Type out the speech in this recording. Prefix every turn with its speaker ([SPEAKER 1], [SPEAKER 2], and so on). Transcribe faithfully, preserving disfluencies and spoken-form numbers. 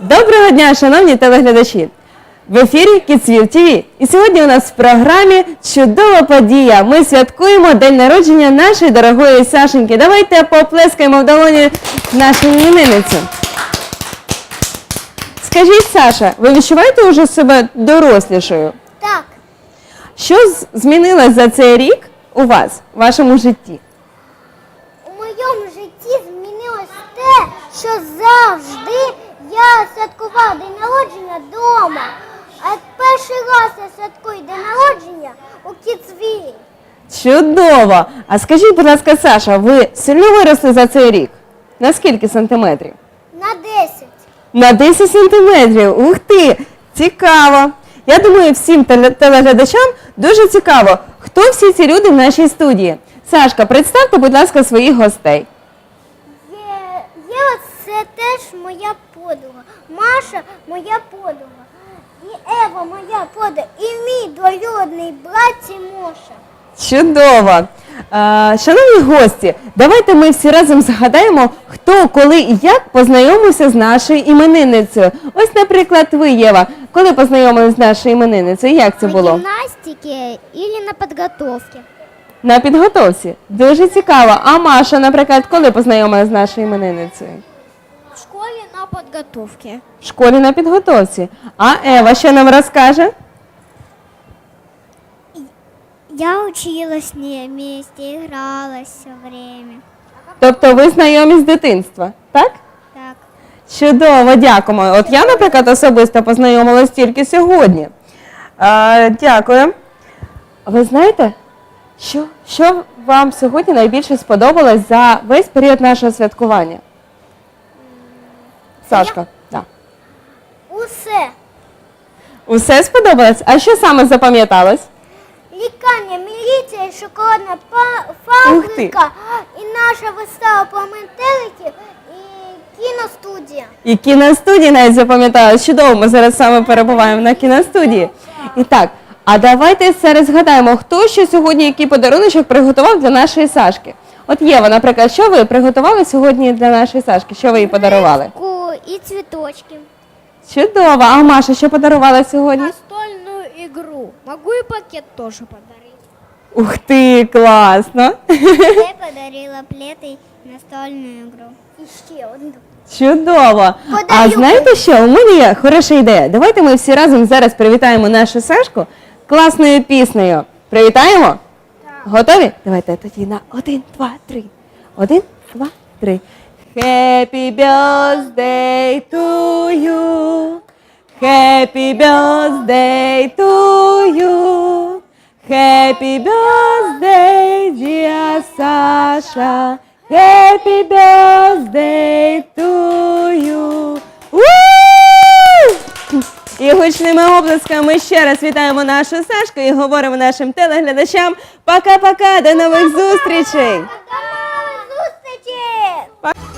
[SPEAKER 1] Доброго дня, шановні телеглядачі! В ефірі Кіцвів ТВ. І сьогодні у нас в програмі чудова подія. Ми святкуємо день народження нашої дорогої Сашеньки. Давайте поплескаємо в долоні нашу іменинницю. Скажіть, Саша, ви відчуваєте вже себе дорослішою?
[SPEAKER 2] Так.
[SPEAKER 1] Що з- змінилось за цей рік у вас, в вашому житті?
[SPEAKER 2] У моєму житті змінилось те, що завжди я святкував день народження вдома. А перший раз я святкую день народження у Кіцві.
[SPEAKER 1] Чудово! А скажіть, будь ласка, Саша, ви сильно виросли за цей рік? На скільки сантиметрів?
[SPEAKER 2] На десять.
[SPEAKER 1] На десять сантиметрів. Ух ти! Цікаво! Я думаю, всім теле- телеглядачам дуже цікаво, хто всі ці люди в нашій студії. Сашка, представте, будь ласка, своїх гостей.
[SPEAKER 2] Є, є оце теж моя подруга. Маша моя подруга. І Ева моя подруга. І мій двоюрідний брат Тимоша.
[SPEAKER 1] Чудово! А, шановні гості, давайте ми всі разом згадаємо, хто, коли і як познайомився з нашою іменинницею. Ось, наприклад, ви, Єва, коли познайомилися з нашою іменинницею, як це було?
[SPEAKER 2] На гимнастике или на подготовке.
[SPEAKER 1] На підготовці. Дуже цікаво. А Маша, наприклад, коли познайомилася з нашою іменинницею?
[SPEAKER 2] В школе на подготовке.
[SPEAKER 1] В школі на підготовці. А Ева що нам розкаже?
[SPEAKER 2] Я училась с ней вместе, играла все время.
[SPEAKER 1] Тобто ви знайомі з дитинства, так?
[SPEAKER 2] Так.
[SPEAKER 1] Чудово, дякуємо. От я, наприклад, особисто познайомилась тільки сьогодні. А, дякую. Ви знаєте, що, що вам сьогодні найбільше сподобалось за весь період нашого святкування? Сашка, так.
[SPEAKER 2] Усе.
[SPEAKER 1] Усе сподобалось? А що саме запам'яталось?
[SPEAKER 2] Лікарня, міліція, і шоколадна па-
[SPEAKER 1] Ух ти.
[SPEAKER 2] фабрика, і наша вистава по метеликів, і кіностудія.
[SPEAKER 1] І кіностудії навіть запам'яталось. Чудово, ми зараз саме перебуваємо на кіностудії. І так, а давайте зараз згадаємо, хто ще сьогодні який подаруночок приготував для нашої Сашки. От Єва, наприклад, що ви приготували сьогодні для нашої Сашки? Що ви їй подарували?
[SPEAKER 2] Ку і цвіточки.
[SPEAKER 1] Чудово. А Маша що подарувала сьогодні?
[SPEAKER 2] Настольну ігру. Могу і пакет теж подарити.
[SPEAKER 1] Ух ти, класно.
[SPEAKER 2] Я подарила плед і настольну ігру. І ще одну.
[SPEAKER 1] Чудово. А
[SPEAKER 2] Подарю.
[SPEAKER 1] знаєте що, у мене є хороша ідея. Давайте ми всі разом зараз привітаємо нашу Сашку класною піснею. Привітаємо?
[SPEAKER 2] Так.
[SPEAKER 1] Готові? Давайте тоді на один, два, три. Один, два, три. Happy birthday to you. Happy birthday to you. Happy birthday, dear Sasha. Happy birthday to you. Woo! І гучними оплесками ще раз вітаємо нашу Сашку і говоримо нашим телеглядачам пока-пока, до нових зустрічей!
[SPEAKER 2] До нових зустрічей!
[SPEAKER 1] Па-